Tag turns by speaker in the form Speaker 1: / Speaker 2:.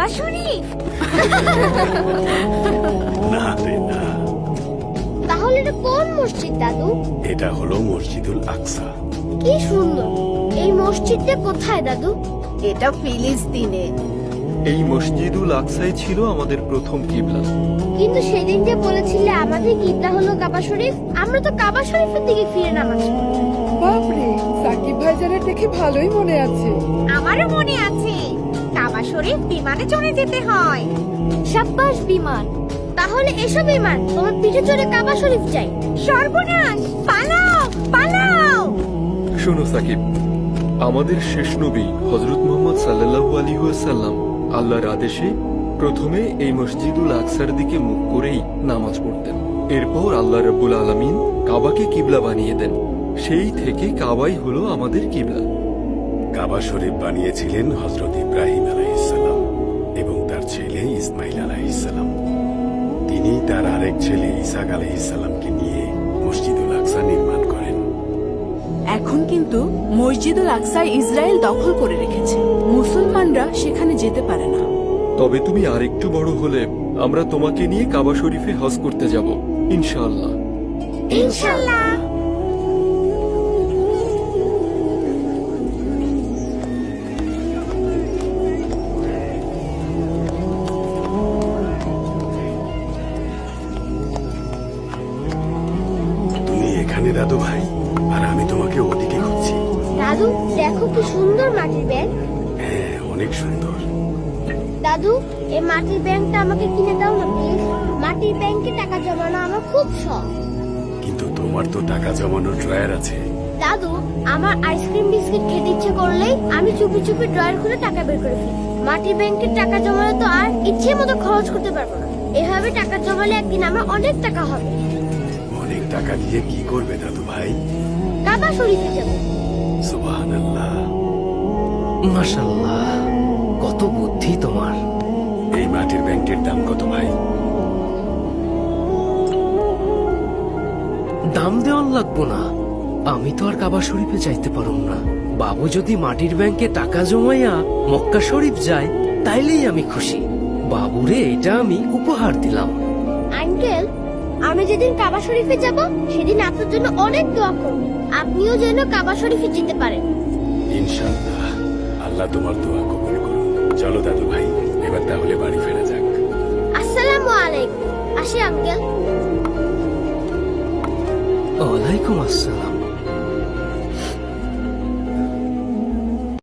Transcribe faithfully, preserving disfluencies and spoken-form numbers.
Speaker 1: শরীফ।
Speaker 2: না রে না,
Speaker 1: তাহলে এটা কোন মসজিদ দাদু?
Speaker 2: এটা হলো মসজিদুল আকসা।
Speaker 1: কি সুন্দর। এই মসজিদটা কোথায় দাদু?
Speaker 3: এটা ফিলিস্তিনে।
Speaker 4: এই মসজিদুল আকসাই ছিল আমাদের প্রথম কিবলা।
Speaker 1: কিন্তু সেদিন যে বলেছিলে আমাদের কিবলা হলো কাবা শরীফ, আমরা তো কাবা শরীফের দিকে ফিরে নামাজ পড়ি।
Speaker 5: বাপরে, সাকিব ভাইজানের দেখে ভালোই মনে আছে।
Speaker 3: আমারও মনে আছে, কাবা শরীফ বিমানে চড়ে যেতে হয়।
Speaker 1: সাব্বাস বিমান। তাহলে এসো বিমান, তোমার পিঠে চড়ে কাবা শরীফ যাই।
Speaker 3: সর্বনাশ, পালাও পালাও।
Speaker 4: শোনো সাকিব, আমাদের শেষ নবী হযরত মুহাম্মদ সাল্লাল্লাহু আলাইহি ওয়াসাল্লাম আল্লাহর আদেশে প্রথমে এই মসজিদুল আকসার দিকে মুখ করেই নামাজ পড়তেন। এরপর আল্লাহ রাব্বুল আলামিন কাবাকে কিবলা বানিয়ে দেন। সেই থেকে কাবাই হলো আমাদের কিবলা।
Speaker 2: কাবা শরীফ বানিয়েছিলেন হযরত ইব্রাহিম আলাইহিসসালাম এবং তার ছেলে ইসমাইল আলাইহিসসালাম। তিনি তার আরেক ছেলে ইসাক আলাইহিসসালামকে নিয়ে মসজিদুল আকসা নির্মাণ করেন।
Speaker 6: এখন কিন্তু মসজিদুল আকসা ইসরায়েল দখল করে রেখেছে, মুসলমানরা সেখানে যেতে পারে না।
Speaker 4: তবে তুমি আরেকটু বড় হলে আমরা তোমাকে নিয়ে কাবা শরীফে হজ করতে যাব ইনশাআল্লাহ।
Speaker 1: ইনশাআল্লাহ।
Speaker 2: তুমি এখানে দাদু ভাই, আর আমি তোমাকে ওদিকে খুঁজছি।
Speaker 1: দাদু দেখো কি সুন্দর মাটির ব্যাগ।
Speaker 2: হ্যাঁ, অনেক সুন্দর।
Speaker 1: দাদু এই মাটির ব্যাংকটা আমাকে কিনে দাও না প্লিজ। মাটির ব্যাংকে টাকা জমানো আমার খুব শখ।
Speaker 2: কিন্তু তোমার তো টাকা জমানোর ড্রয়ার আছে।
Speaker 1: দাদু আমার আইসক্রিম বিস্কিট খেতে ইচ্ছে করলেই আমি চুপি চুপি ড্রয়ার খুলে টাকা বের করে ফেলি। মাটির ব্যাংকের টাকা জমালে তো আর ইচ্ছে মতো খরচ করতে পারবো না। এভাবে টাকা জমালে একদিন আমার অনেক টাকা হবে।
Speaker 2: অনেক টাকা দিয়ে কি করবে দাদু ভাই?
Speaker 1: কাবা শরীফে যাবো।
Speaker 2: সুবহানাল্লাহ।
Speaker 7: মাশাআল্লাহ, কত বুদ্ধি তোমার।
Speaker 2: এই মাটির ব্যাংকের দাম কত ভাই?
Speaker 7: দাম দেওয়ান লাগবো না, আমি তো আর কাবা শরীফে যাইতে পারুম না। বাবু যদি মাটির ব্যাংকে টাকা জমাইয়া মক্কা শরীফ যায় তাইলেই আমি খুশি। বাবুরে এটা আমি উপহার দিলাম।
Speaker 1: আঙ্কেল আমি যেদিন কাবা শরীফে যাব সেদিন আপনার জন্য অনেক দোয়া করব। আপনিও যেন কাবা শরীফে যেতে পারেন।
Speaker 2: ইনশাআল্লাহ, আল্লাহ তোমার দোয়া কবুল করুন। চলো দাদু ভাই, এবার তাহলে বাড়ি ফেরা যাক।
Speaker 1: আসসালামু আলাইকুম। আসি আঙ্কেল।
Speaker 7: ওয়ালাইকুম আসসালাম।